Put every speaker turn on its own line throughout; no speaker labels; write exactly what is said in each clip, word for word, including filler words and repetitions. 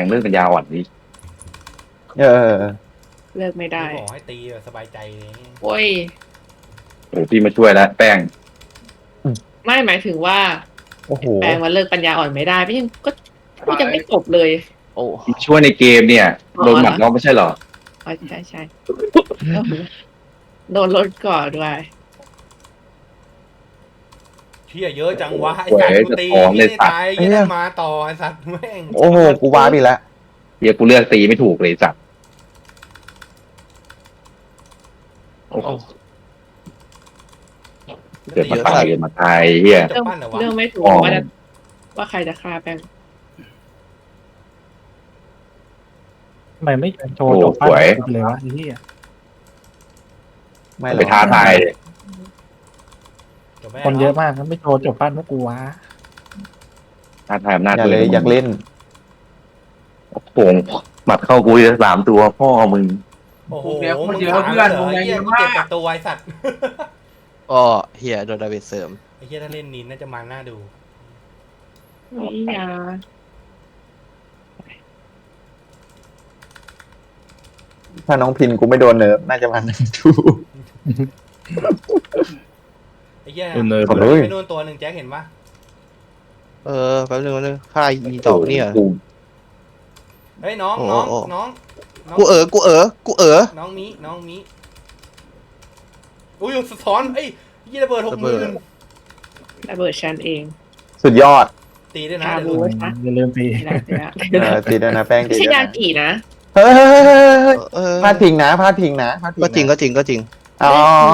เรื่องปัญญาอ่อนนี่
เออ
เลิกไม่ได้
ขอให้ตีสบายใจเลย
โอ้ย
โอ้พี่มาช่วยแล้วแป้ง
ไม่หมายถึงว่า
โอ้โห
แปลงว่าเลิกปัญญาอ่อนไม่ได้ไม่ยังก็ก็ยังไม่จบเลย
โอ้
ช่วยในเกมเนี่ยโดนหมัดน้องไม่ใช่หรอ
อ๋อใช่ใช่โดนรถก่อด้วย
เชี่ยเยอะจังวะไอ้สัตว์กูตีไม่ตายยังมาต่อไอ้สัตว์แม่ง
โอ้โหกูว้าไปแล้ว
เดี๋ยวกูเลือกตีไม่ถูกเลยจับโอ้โหเกิดมาตายเกิดมาตายเฮีย
เรื่องเรื่องไม่ถูกว่าว่าใครจะฆ่าแป้ง
ทำไมไม่โชว์จบปั้นเลยวะที่
ไม่ไปท้าทาย
คนเยอะมากมันไม่โชว์จบปั้นพวกกูวะ
ท้าทายอำนาจ
เลยอยากเล่น
โป่งหมัดเข้ากูสามตัวพ่อมึง
โอ้โหเดี๋ยวมึงเยอะเพื่อนมึงเยอะมากเจ็บตัวไอ้สัตว์
ก็เฮียโดนดาเมจเสริม
ไอ้เฮียถ้าเล่นนินน่าจะมันน่าดู
นี่ยา
ถ้าน้องพินกูไม่โดนเนิร์ฟน่าจะมันดู
ไอ้เหี้ยไปโดนตัวหนึ่งแจ็คเห็นปะ
เออแป๊บนึงแป๊บนึงค่าอีต่อเนี่ย
เฮ้ยน้องน้องน้อง
กูเออกูเออกูเออ
น้องมีน้องมีอุ้ยสะท้อนเอ้ยยี่ระเบิดหกหมื่น
ระเบิดฉันเอง
สุดยอด
ตีด้วยนะ
อย่าลืมตี
ตีด้วยนะแป้ง
ไม่ใช่ยากี่นะ
เฮ้ยพลาดพิงนะพลาดพิงนะ
ก็จริงก็จริงก็จริง
อ๋อ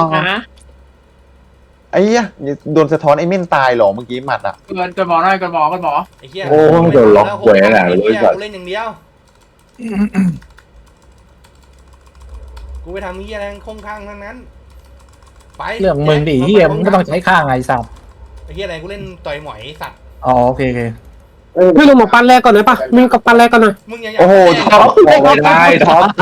ไอ้เหี้ยโดนสะท้อนไอ้เม่นตายหรอเมื่อกี้หมัดอ่ะ
เกินกันหมอหน่อยกันหมอกันหมอ
ไอ้เหี้ย
โอ้โดนล็อกแหวนอะ
เลยกูเล่นอย่างเดียวกูไปทำเหี้ยอะไรคงข้างทั้งนั้นไป
เรื่องมึงดิเหี้ยมึงก็ต้องใช้ข้างไงสัตว์
ไอ้เหี้ยอะไรกูเล่นต่อยหมอยสัตว์
อ๋อโอเคโอเค
พี่ลงมาปั้นแรกก่อนเลยปะมึงกับปั้นแรกก่อนหน่อย
มึงยัง
โอ้โหท็อป
ไม่ได้ท็อป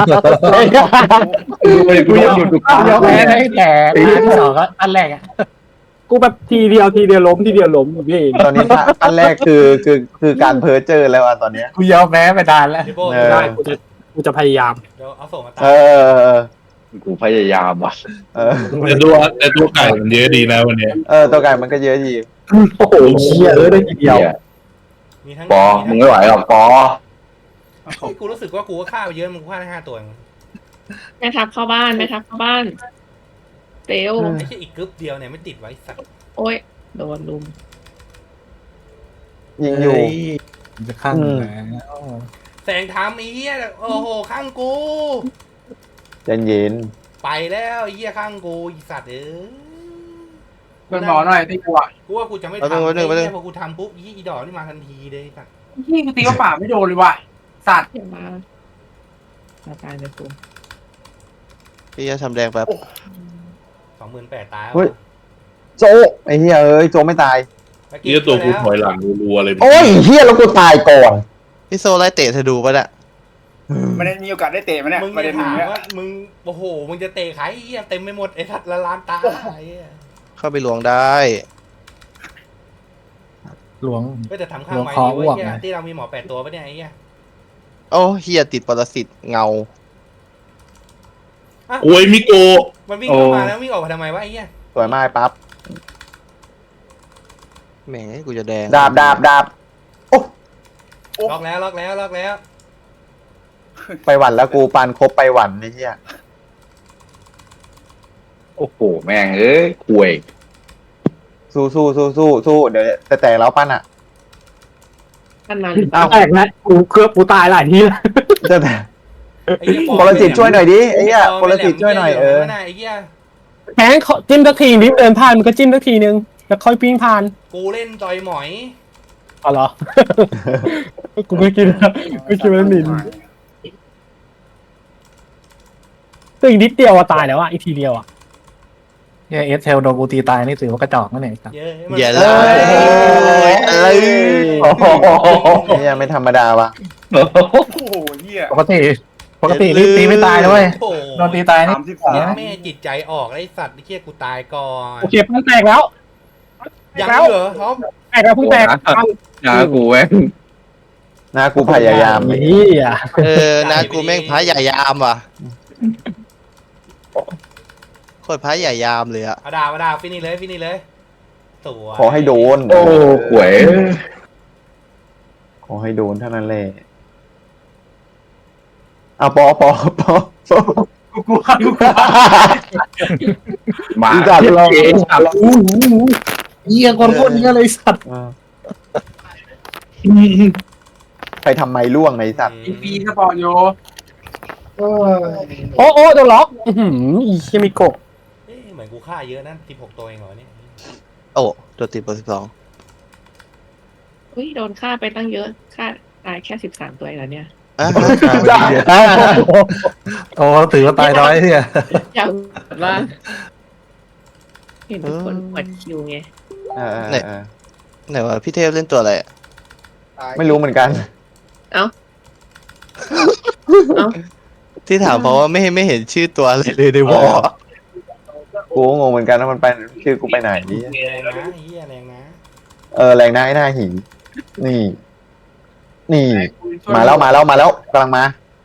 กูยังหยุดกู
ยกแพ้ได้แต่ที่สองก็อันแรกอ่ะ
กูแบบทีเดียวทีเดียวล้มทีเดียวล้มพี่
ตอนนี้อันแรกคือคือคือการเพ้อเจอแล้วอ่ะตอนนี้
กูยอมแพ้ไปนานแล้ว
ได้กูจะกูจะพยายาม
เดี๋ยวเอาส่งมาตาม
เออ
กูพยายามว่ะ
เออ
แต่ตัวแต่ตัวไก่มันเยอะดีนะวันนี้
เออตัวไก่มันก็เยอะดี
โอ้โหเชี่ยเออได้ทีเดียว
ปอมึงไม่ไหวหรอกปอ
กูรู้สึกว่ากูก็ฆ่าไปเยอะมึงฆ่าได้ห้าตัว
แม่ทับเข้าบ้านแม่ทับเข้าบ้านเตล
ไอ้แค่อีกกึ๊บเดียวเนี่ยไม่ติดไว้สัก
โอ้ยโดนลุม
ยิงอยู่
จะข้าง
แสงทำไอ้เหี้ยโอ้โหข้างกู
ใจเย็น
ไปแล้วไอ้เหี้ยข้างกูอีสัตว์เอ้ย
กันหมอหน่อยตีกูอ่ะ
กูว่ากูจะไม่ทำไอ้เหี้ยพอกูทำปุ๊บยี่อีดอกนี่มาทันทีเลยสัตว์
ยี่กูตีว่าป่าไม่โดนเลยว่ะสัตว์
มามาตายเลยกู
พี่จะทำแดงแป๊บ
สองหมื่นแปดตาย
โจไอ้เหี้ยเอ้ยโจไม่ตาย
เหี้ยตัวกูถอยหลังรัวเลย
โอ้ยเหี้ยแล้วกูตายก่อน
พี่โซไล่เตะเธอดูป่ะเนี่ย
ไม่ได้มีโอกาสได้เตะมั้ยเนี่ย
มึงจะถามว่ามึงโอ้โหมึงจะเตะใครเหี้ยเต็มไปหมดไอ้สัตว์ละล้านตา
เข้าไปหลวงได้
หลวง
ก็จะทำข้างไว้ดีว่าเหี้ยที่เรามีหมอแปดตัวปะเนี่ยไอ้เหี้ย
โอ้เฮียติดปรสิตเงา
โอ้ยมิโกะ
มันวิ่งเข้ามาแล้ววิ่งออกมาทำไมวะไอ้เหี้ย
สวยมากปั๊บ
แหมกูจะแดง
ดาบดาบดาบโอ้
ล็อกแล้วล็อกแล้วล็อกแล้ว
ไปหวันแล้วกูปานครบไปหวันไอ้เหี้ย
โอ้โหแม่งเอ้ยคุย
สู้สู้สู้สู้สู้เดี๋ยวแต่แต่แล้วปั้นอ่ะ
ปั้นมัน
แตกนะกูเคลือบกูตายหลายทีแล้ว
จะแต่ปรสิตช่วยหน่อยดิไอ้เหี้ยปรสิตช่วยหน่อยเออ
แข็งจิ้มสักทีนิดเดินผ่านมันก็จิ้มสักทีนึงแล้วค่อยปิ้งผ่าน
กูเล่นต่อยหมอย
อ๋อเหรอกูไม่กินไม่กินมันหมิ่นตัวอีกนิดเดียวอะตายแล้วอะอีกทีเดียวอะ
เนี่ยเอสเทลโดนกูตีตายนี่ถือว่ากระจอกนั่นเองครับ
อย่าเลย
อะไรเนี่ยไม่ธรรมดาวะ
โอ้โหเหี้ย
ปกติปกตินี่ตีไม่ตายด้วยโดนตีตายนี่
แม่จิตใจออกไอ้สัตว์ไอ้เหี้ยกูตายก่อน
โอเคมันแตกแล้ว
ยังเหรอท็อป
แตกแล้วเพิ่งแตก
อย่ากูแว้ง
นะกูพยายาม
เฮีย
เออนากูแม่งพระใหญ่ยามว่ะโคตรพระใหญ่ยามเลยอะ
เอาดาบเอาดาบฟินี่เลยฟินี่เลยสวย
ขอให้โดน
โอ้หวย
ขอให้โดนเท่านั้นแหละเอาปอปอปอ
กูกลัวกูกลัว
มา
อีสัตว์เรา
เองครับ
เฮียคนโคตรเฮียเลยสัตว์
ใครทำไมล่วงไอ้สัตว์
อีพีสปอร์ตโย
โอ้โอ้โดนล็อกอื้อหืออีเฮียมิโกะ
เอ๊ะเหมือนกูฆ่าเยอะนะสิบหกตัวเองเหรอเนี่ย
โอ้ตัวติดเบอร์สิบสอง
อุ้ยโดนฆ่าไปตั้งเยอะฆ่าตายแค่สิบสามตัวเองแล้วเนี่ย
อ่ะ
โอ้ถือว่าตายน้อยเนี่ย
อยากว่าเห็นทุกคนกดคิวไง
เออเออเออ
ไหนวะพี่เทพเล่นตัวอะไรอะ
ไม่รู้เหมือนกัน
เอ้าเอ้า
ที่ถามเพราะว่าไม่ไม่เห็นชื่อตัวอะไรเลยในวอล
กูก็งงเหมือนกันว่ามันไปชื่อกูไปไหน
แรงนะเฮียแรงนะ
เออแรงหน้าไอ้หน้าหินนี่ นี่ มาแล้วมาแล้วมาแล้วกำลังมา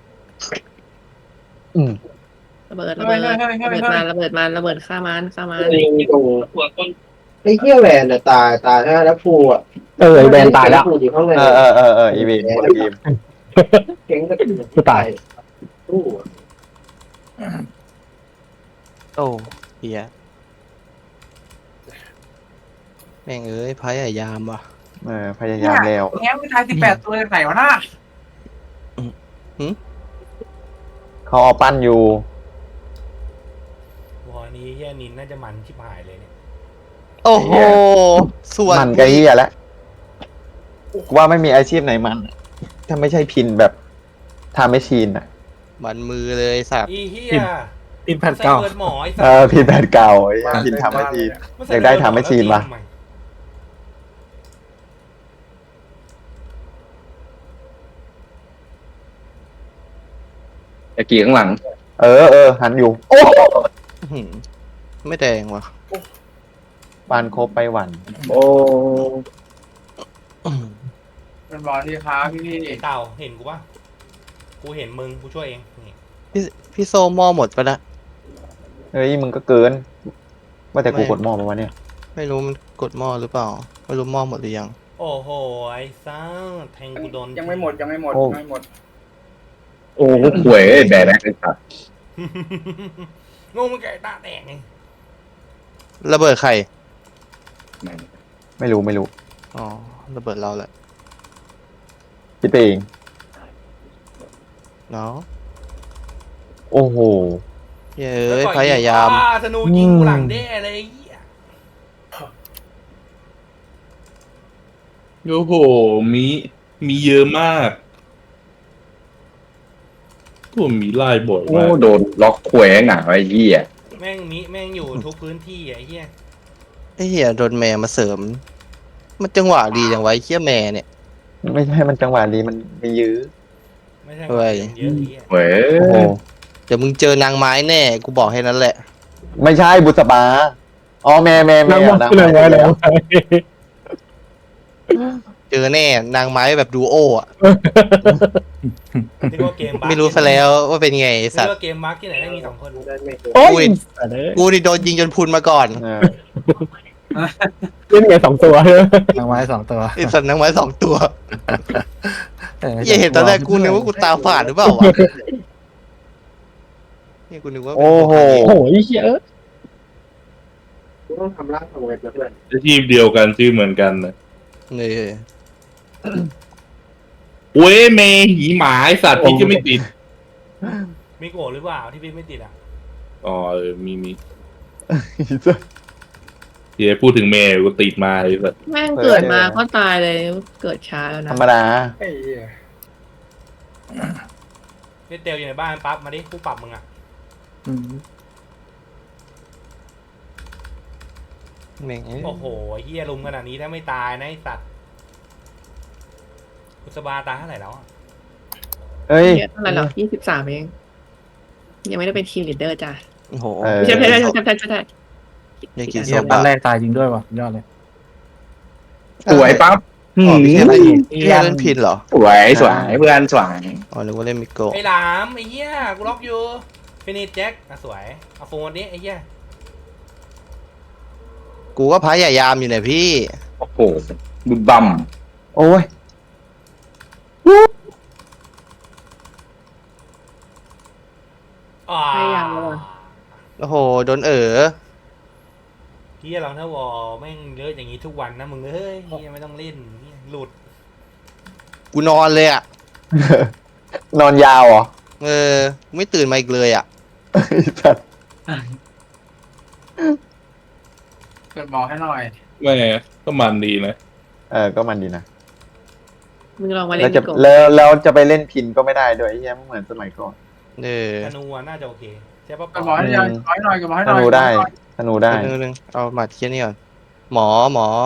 อืม
ระเบิดระเบิดระเบิดมาระเบิดมาระเบิดฆ่ามันฆ่ามัน
ไอ้เหี้ยแหวนน่ะตายตายแล้วแล้วฟูอ่ะ
เออไอ้แบนตายแล้ว
ฟูอยู่ข้างใน
เออเออเออเอออีวีคนละทีม
เก่งก็
กูตาย
ฟูอะ
โอ้เฮียแม่งเอ้ยพระใหญ่ยามว่ะ
เออพยายามแล้ว
แง้มไปทายสิบแปดตัวจากไหนวะน่า
เขาเอาปั้นอยู่
วอนี้เฮียนินน่าจะมันชิบหายเลยเนี่ย
โอ้โหส่วน
มันกะเฮียแล้วว่าไม่มีอาชีพไหนมัน ถ้าไม่ใช่พินแบบทำไม่ชีนอ่ะ
มันมือเลยสัตว์
อีเฮีย
อินแพดเก่า
ใส่เบิร์ดหมอไอ้สั
เอ
ต
อ
ว์
พินแบบเก่าไอ้พินทำไม่ชีน อยากได้ทำให้ชีนวะ
ตะกี้ข้างหลัง
เออเออหันอยู่ โอ้
อื้อหือไม่แดงว่ะ
ปานครบไปหวัน
โอ้
เป็นบอลที่ค้าพี่พี่
ไอ้เต่าเห็นกูปะกูเห็นมึงกูช่วยเองนี่
พี่พี่โซมอหมดไปละ
เฮ้ยมึงก็เกิน ว่าแต่กูกดหม้อมาวะเนี่ย
ไม่รู้มันกดหม้อหรือเปล่า ไม่รู้หม้อหมดหรือยัง
โอ้โหไอ้ซ่าแทงกูโดน
ยังไม่หมดยังไม่หมด
โอ้
ยังไม่หมด
โอ้หวยแบกแบกไอ้สัตว์
งงมันไก่ตาแตกไง
ระเบิดใคร
ไม่รู้ไม่รู้
อ๋อระเบิดเราแหละ
คิดไปเอง
เนาะ
โอ้โห
เย้ยพระใหญ่ยาม
อ่ธนูยิงกูหลังแด้เลยไอ้เหี้ย
โอ้โหมีมีเยอะมากตัวมีไล่บ่อย
โอ้
มาก
โดนล็อกหวยหนาไอ้เหี้ย
แม่งมิแม่งอยู่ทุกพื้นที่ไอ้เหี้ย
ไอ้เหี้ยโดนแม่มาเสริม มันจังหวะดีจังไวะไอ้เหี้ยแม่เนี่ย
ไม่ใช่มันจังหวะดีมันมียื้อ
ไม่ใช่
เฮ้ย
เยอะไอ้เหี้ย
หวย
โอ้โห
เดี๋ยวมึงเจอนางไม้แน่ กูบอกให้นั้นแหละ
ไม่ใช่บุษบาอ๋อแม่แม่แม่
นั่งมองเลยไว้แล้ว
เจอแน่นางไม้แบบดูโออ่ะ
ที่ว่าเกมบัค
ไม่รู้ซะแล้วว่าเป็นไงไอ้สั
ที่
ตว์
ว่าเกมบัคที่ไหนได้มีสองคน
โอ้ย
กูนี่โดนยิงจนพุนมาก่อน
เออ
เล่นไงสองตัวเฮ้ย
ทางไม้สองตัว
ไอ้สัตว์นางไม้สองตัว
เออ
อย่าเห็นตอนแรกกูนึกว่ากูตาฝาดหรือเปล่าวะนี่กูนึกว่า
โอ้โห
โอ้โหไอ้เหี้ยเออ
กูต้องทำร่างทำเวทแล้วเพื่อน
อาชีพเดียวกันชื่อเหมือนกันนะ
นี่
เว้ยเมหีหมาไอสัตว์พี่จะไม่ติด
มีโกรธหรือเปล่าที่พี่ไม่ติดอ่ะ
อ๋อเออมีมีเดี๋ยวพูดถึงเมย์กูติดมาไอ้สัตว์
แม่งเกิดมาก็ตายเลยเกิดช้าแล้ว
ธ
นะ
รรมดา
ไอ้เหี้ย
เล่นเตลอยู่ในบ้านปั๊บมาดิกูปรับมึงอ่ะ
อืม
แม่งเอ้ย
โอ้โหไอ้เหี้ยลุมขนาดนี้ถ้าไม่ตายนะไอ้สัตว์กุศบาตายเท่าไหร่แล้วอะ
เอ้ย
เยอะเท่าไหร่หรอยี่สิบสามเองยังไม่ได้เป็นทีมลีดเดอร์จ้ะ
โอ้โห
เออ
ไม่ใช่ไม่ใช่ไม่ใช่ไม่ใช่ไม่ใช่
อย่ากิน
เหี้
ส้
ย
ม
ปั้น
ปะ
แรกตายจริงด้วยว่ะยอดเลย
สวยปั๊บ
อ๋อไม่ใช่อะไร
อืม
ไม่ใช่เล่นพินเหรอ
สวยสวยเพื่อนสวย
อ๋อนึกว่าเล่นมิโกะ
ไอ้หลามไอ้เหี้ยกูล็อกอยู่ฟินิชแจ็คอ่ะสวยเอาโฟนนี้ไอ้เหี้ย
กูก็พยายามอยู่เนี่ยพี่
โอ้โหบึมบัม
โอ้ย
อ่า
พยายามแล้วอะ
โอ้โหโดนเอ๋อ
เหี้ยเราถ้าวอแม่งเยอะอย่างงี้ทุกวันนะมึงเอ้ยเหี้ยไม่ต้องเล่นเหี้ยหลุด
กูนอนเลยอ่ะ
นอนยาวเหรอ
เออไม่ตื่นมาอีกเลยอ่ะ
สัตว์
เปิดบอกให้หน่อย
แม่ก็มันดีนะ
เออก็มันดีนะ
มึงลองมาเล่
แล้ว
น
จะ
มิโกะ
แล้วแล้วจะไปเล่นพินก็ไม่ได้ด้วยไอ้เหี้ยไม่เหมือนสมัยก่อน
เออ
ธนูอะน่าจะโอเคใช่ปะ
เปิดบอกให้หน่อยขอให้หน่อยเปิดบอกให้ห
ธ
น่อย
นูได้ธนูได้
นึงนึงเอามาเที่ยนี่ก่อนหมอหมอ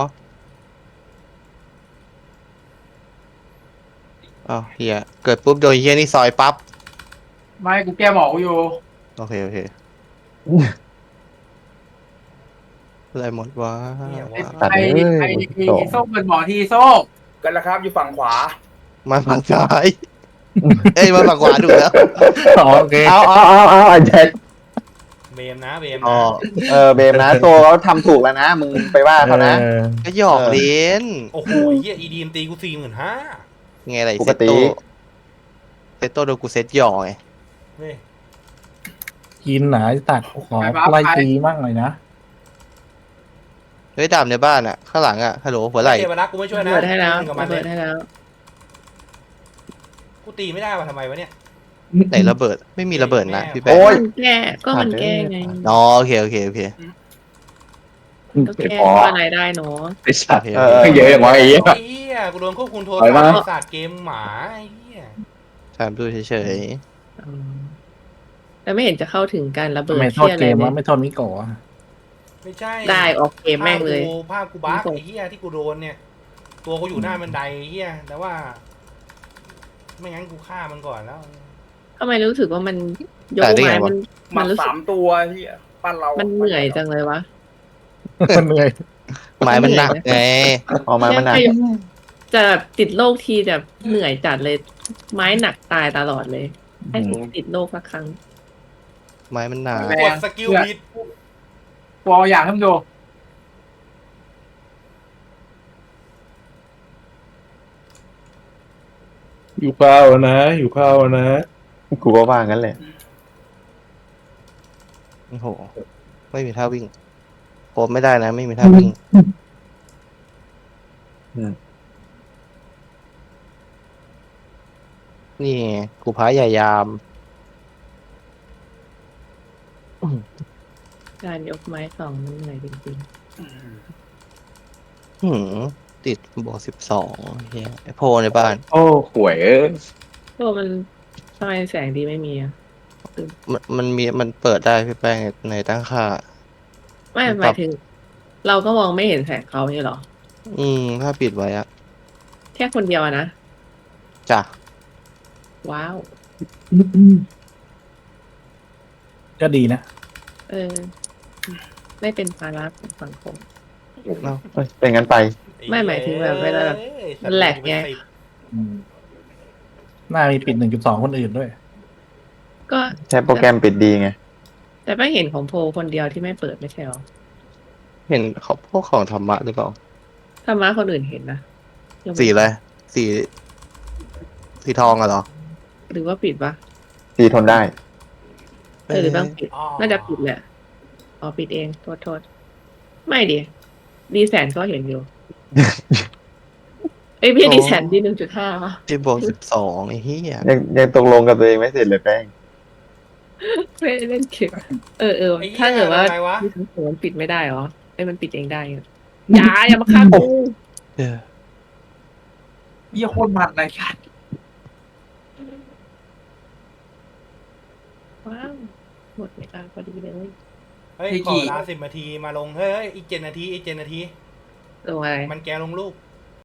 อ้าวเฮียเกิดปุ๊บโดนเฮียนี่ซอยปั๊บ
ไม่กูแก้บอกกูอยู่
โอเคโอเคอะไรหมดวะ
เนี่ย
ไอ้
ว่า
ตัด
ไอ้
เลย
ไอ้
โอ้โห
ไอ้โซ่เปิดบอกที่โซ่กันแล้วครับอยู่ฝั่งขวา
มาฝั่งซ้ายเอ้ยมาฝั่งขวาดูแล้ว
อ๋อโอเค
เอาเอาเอาเอาไอ้แจ็ค
เบมนะเบม
อ๋อ
นะ
เออเบมนะโซเขาทำถูกแล้วนะ มึงไปว่าเขานะ
ออ
ก็หยอกเล่น
โอ้โหไอ้เหี้ยอีดีมตีกูสี่หมื่นห้า
ไงไร
ป
เซ
ก
ต
ติ
โตเซตโตโดนกูเซตหยอกไง
เว้ย
กินหนาตัดขอไล่ตีมั่งเลยนะ
เฮ้ยดาบในบ้านอ่ะข้างหลังอ่ะฮัลโหลหัวไหล่
เทวรักษ์กูไม่ช่วยนะ
เปิดให้แล้ว
มึงกับมันเล
เปิ
ย
ดให้แล้ว
กูตีไม่ได้ว่ะทำไมวะเนี่ย
ไหนระเบิดไม่มีระเบิดนะพี่แป๊ะ
โอ้ย
มันแก้ก็มันแก้ไง
อ๋อโอเคโอเคโอเค
ก็แก้ว่าอะไรได้เนาะ
ไอ้สัตว์
เออ
เยอะอย่างวะไอ้เหี้ย
ไอ้เหี้ยกูโดนควบคุมโทร
ปล่อยมา
ศัพท์ศาสตร์เกมหมาไอ้เหี้ย
ถามดูเฉย
อืมแต่ไม่เห็นจะเข้าถึงการระเบิด
ไม่โทษ
เที่ยอะ
เก
ไร
ม
เล
ว่าย ไม่โทษมิโกะ
ไม่ใช่
ได้ออกเกมแม่งเลย
ภาพกูภาพกูบั๊กไอ้เหี้ยที่กูโดนเนี่ย ตัวกูอยู่หน้าบันไดไอ้เหี้ยแต่ว่า ไม่งั้นกูฆ่ามันก่อนแล้ว
ทำไมรู้สึกว่ามันยกไม้มันมันรู้สึก
สามตัวที่ปั้นเรา
มันเหนื่อยจังเลยวะ
มันเหนื่อย
ๆไม้มันหนักไง
ออกมามันหนัก
เนี่ยจะแบบติดโรคทีแบบเหนื่อยจัดเลย ไม้หนักตายตลอดเลยให้ติดโรคสักครั้ง
ไม้มันหนัก
กดสกิลบิด
กูเอาอย่างให้มึงดู
อยู่ข้าวนะ อยู่ข้าวนะ
กูก็ว่างั้นแหละ
โอ้โหไม่มีท่าวิ่งโคบไม่ได้นะ ไม่มีท่าวิ่ง
อืม
นี่ไงกูพายายาม
การยกไม้สองมันเหนื่อยจริง
หืมติดบวกสิบสองเฮียไอโพในบ้าน
โอ้หวยเอ้ย
ๆตัวมันทำไมแสงดีไม่มีอะ
มันมันมีมันเปิดได้พี่แป้งในตั้งค่า
ไม่หมายถึง เราก็มองไม่เห็นแสงเขาเนี่ยหรอ
อืมถ้าปิดไว้อะ
แค่คนเดียวอะนะ
จ้ะ
ว้าว
ก็ดีนะ
เออ ไม่เป็นภาระของสังคม
เอ้ยเป็นงั้นไป
ไม่หมายถึงแบบเวลาแบบมันแหลกไง
อืมน่ามีปิดหนึ่งจุดสองคนอื่นด้วย
ก็
ใช้โปรแกรมปิดดีไง
แต่ไม่เห็นของโพลคนเดียวที่ไม่เปิดไม่ใช่หรอ
เห็นเขาพวกของธรรมะหรือเปล่า
ธรรมะคนอื่นเห็นนะยังไม่
สีอะไรสีสีทองอะเหรอ
หรือว่าปิดปะ
สีทนได้
เออหรือบ้างปิด
อ๋อ
น่าจะปิดแหละอ๋อปิดเองโทษโทษไม่ดิดีแสนก็เห็นอยู่ เอ้ยพี่ดีแสนดีหนึ่งจุดห้าป่ะ
ที่บวกสิบสองไอ้เหี้ย
ยังยังตกลงกับตัวเองไม่เสร็จเลยแป้ง
ไม่ได้เล่นเกมเออเออ
ไอ้เหี้ย
ถ้าเกิดว่า
อะไรวะ
มีทั้งสองมันปิดไม่ได้เหรอไอ้ยมันปิดเองได้อะอย่าอย่ามาฆ่ากู
เออ
เยี่ยโคตรมันเลยค่ะ
ว้าวหมดเวลาพอดีเลย
เฮ้ยขอเวลาสิบนาทีมาลงเฮ้ยเฮ้ยอีกเจ็ดนาทีอีกเจ็ดนาที
ลงอะไร
มันแกลงลูก